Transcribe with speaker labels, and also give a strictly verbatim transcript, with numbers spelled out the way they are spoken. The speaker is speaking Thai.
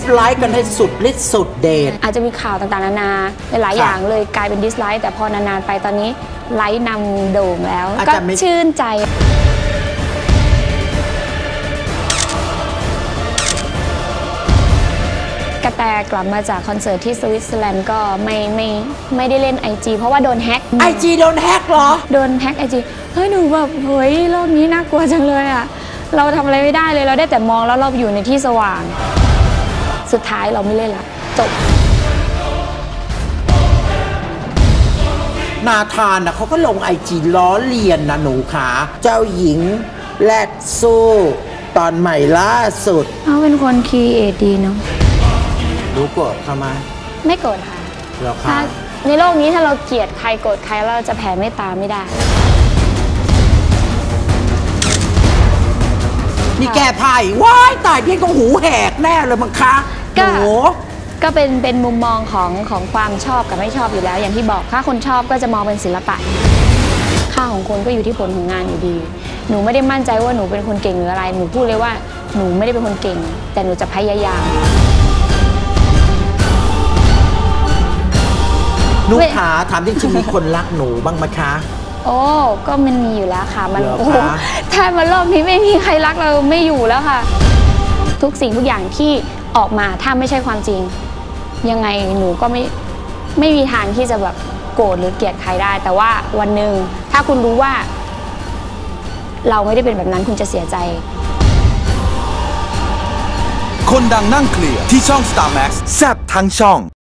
Speaker 1: ไลค์กันให้สุดฤทธิ์สุดเดช
Speaker 2: อาจจะมีข่าวต่างๆนานาหลายอย่างเลยกลายเป็นดิสไลค์แต่พอนานๆไปตอนนี้ไลค์นำโด่งแล้วก็ชื่นใจกระแตกลับมาจากคอนเสิร์ตที่สวิตเซอร์แลนด์ก็ไม่ไม่ไม่ได้เล่น ไอ จี เพราะว่าโดนแฮ็ก
Speaker 1: ไอ จี โดนแฮ็กเหรอ
Speaker 2: โดนแฮ็ก ไอ จี เฮ้ยหนูแบบเฮ้ยโลกนี้น่ากลัวจังเลยอ่ะเราทำอะไรไม่ได้เลยเราได้แต่มองแล้วเราอยู่ในที่สว่างสุดท้ายเราไม่เล่นละจบ
Speaker 1: นาธานนะเขาก็ลง ไอ จี ล้อเลียนนะหนูขาเจ้าหญิงแลกสู้ตอนใหม่ล่าสุด
Speaker 2: เขาเป็นคนครีเอทดีเนาะ
Speaker 1: รู้โกรธเขาไหม
Speaker 2: ไม่โกรธค่ะถ้าในโลกนี้ถ้าเราเกลียดใครโกรธใครเราจะแผ่เมตตาไม่ได้
Speaker 1: นี่แก้ผ้าอีกว้ายตายพี่ก็หูแหกแน่เลยมั้งคะ
Speaker 2: ก็ก็เป็นเป็นมุมมองของของความชอบกับไม่ชอบอยู่แล้วอย่างที่บอกถ้าคนชอบก็จะมองเป็นศิลปะค่าของคนก็อยู่ที่ผลของงานอยู่ดีหนูไม่ได้มั่นใจว่าหนูเป็นคนเก่งหรืออะไรหนูพูดเลยว่าหนูไม่ได้เป็นคนเก่งแต่หนูจะพยายาม
Speaker 1: หนูขาถามจริงๆมีคนรักหนูบ้างไหมคะ
Speaker 2: โอ้ก็มันมีอยู่แล้วค่ะมันถ้ามันโลกนี้ไม่มีใครรักเราไม่อยู่แล้วค่ะทุกสิ่งทุกอย่างที่ออกมาถ้าไม่ใช่ความจริงยังไงหนูก็ไม่ไม่มีทางที่จะแบบโกรธหรือเกลียดใครได้แต่ว่าวันหนึ่งถ้าคุณรู้ว่าเราไม่ได้เป็นแบบนั้นคุณจะเสียใจ
Speaker 3: คนดังนั่งเคลียร์ที่ช่อง สตาร์ แม็กซ์ แซ่บทั้งช่อง